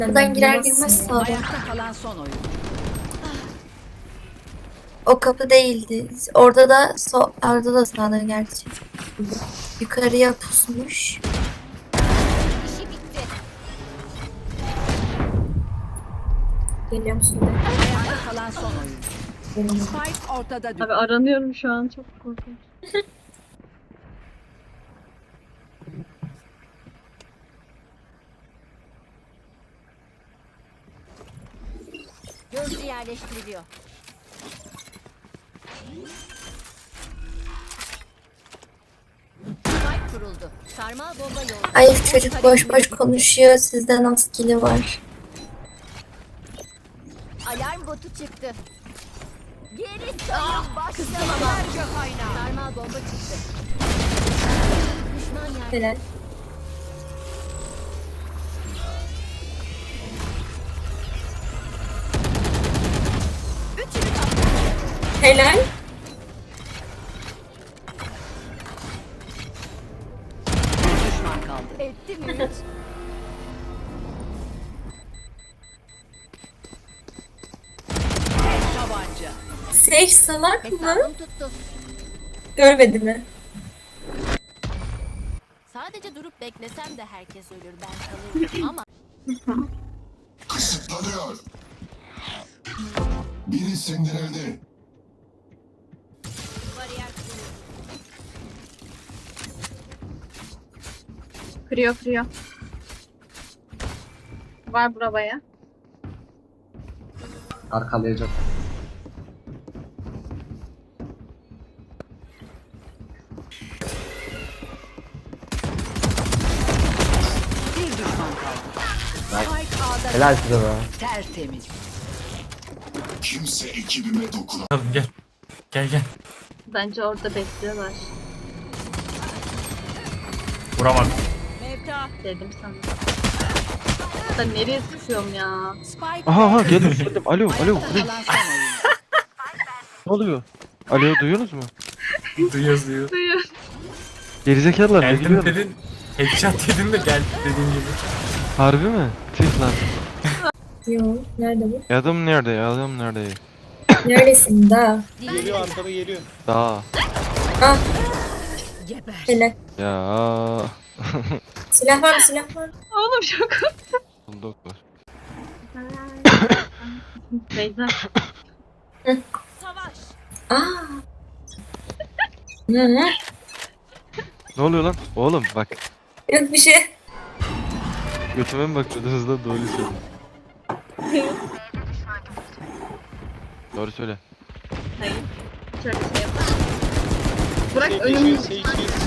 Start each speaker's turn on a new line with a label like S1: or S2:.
S1: Buradan girer girmez sağdan.
S2: Ayakta kalan son oyun.
S1: O kapı değildi. Orada da sağdan gerçi. Yukarıya pusmuş.
S3: İşi bitti.
S1: Geliyor musun?
S2: Ayakta kalan son oyun. Spike ortada düştü.
S4: Abi aranıyorum şu an, çok korkunç.
S3: Gözcü yerleştiriliyor. Spike kuruldu. Sarmal bomba yolda.
S1: Ay çocuk boş boş konuşuyor. Sizde nasıl kili var?
S3: Alarm botu çıktı. Geri sayım başlamalar. Sarmal bomba çıktı. Düşman yer.
S1: Helal.
S3: Üçünü kaptı.
S1: Helal.
S2: Bir düşman kaldı.
S3: Etti mi hiç?
S2: Tek tabanca.
S1: Sage salak mı?
S3: Hesabım tuttu.
S1: Görmedi mi?
S3: Sadece durup beklesem de herkes ölür, ben kalırım ama
S5: Kısıtlanıyor. Biri sindirildi.
S3: bariyer kuruldu.
S4: Kırıyor. Var buraya.
S6: Arkalayacak.
S2: Bir düşman kaldı. Spike A'da
S6: Helal size be.
S2: tertemiz.
S5: Kimse ekibime dokunamaz.
S7: Tamam gel. Gel.
S4: Bence orada bekliyorlar
S7: Vuramadım.
S2: Mevta.
S4: dedim sana. Da nereye sıkıyorum ya?
S2: Spike
S8: Aha geldim. Alo.
S2: Ayakta kalan son oyun.
S8: Ne oluyor? Alo duyuyorsunuz mu?
S7: Duyuyoruz.
S8: Gerizekalılar ne
S7: Geldim
S8: gülüyorsunuz?
S7: dedin. Headshot dedin de gel dediğin gibi.
S8: Harbi mi? Tüh lan.
S1: Yok. Nerede bu?
S8: Adam nerede? Adam nerede?
S1: Neredesin daha?
S3: Geliyor
S8: Daha.
S1: Ah
S2: Geber.
S1: helal.
S8: Ya.
S1: Silah var mı? Silah var mı?
S4: Oğlum çok
S8: Bulduk var.
S4: Beyza.
S3: savaş.
S1: Aa. Hı.
S8: Ne oluyor lan? Oğlum bak.
S1: Yok bir şey.
S8: Götüme mi bakıyordunuz lan? Doğru söyle. Doğru söyle.
S4: Hayır. Şöyle şey yapalım. Bırak önümü.